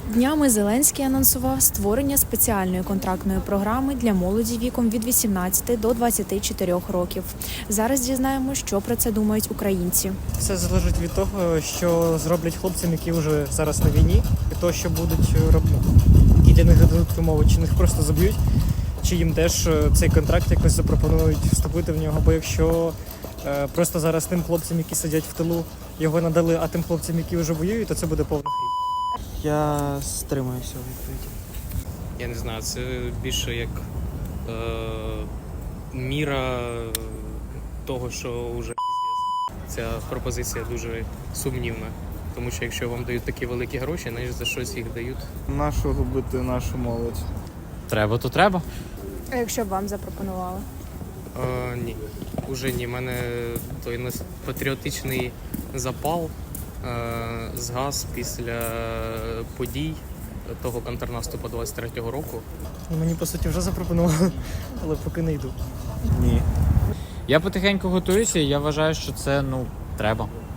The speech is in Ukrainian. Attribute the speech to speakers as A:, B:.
A: Днями Зеленський анонсував створення спеціальної контрактної програми для молоді віком від 18 до 24 років. Зараз дізнаємося, що про це думають українці.
B: Все залежить від того, що зроблять хлопцям, які вже зараз на війні, від того, що будуть робити, які для них дадуть умови, чи їх просто заб'ють, чи їм теж цей контракт якось запропонують вступити в нього. Бо якщо просто зараз тим хлопцям, які сидять в тилу, його надали, а тим хлопцям, які вже воюють, то це буде повна хрінь.
C: Я стримуюся у відповіді.
D: Я не знаю, це більше як міра того, що вже піздець. Ця пропозиція дуже сумнівна. Тому що якщо вам дають такі великі гроші, значить за щось їх дають.
C: Нашу губити нашу молодь.
E: Треба, то треба.
A: А якщо б вам запропонували?
D: Ні, уже ні. У мене той патріотичний запал згас після подій того контрнаступу 23-го року.
B: І мені, по суті, вже запропонували, але поки не йду.
C: Ні.
E: Я потихеньку готуюся, і я вважаю, що це, треба.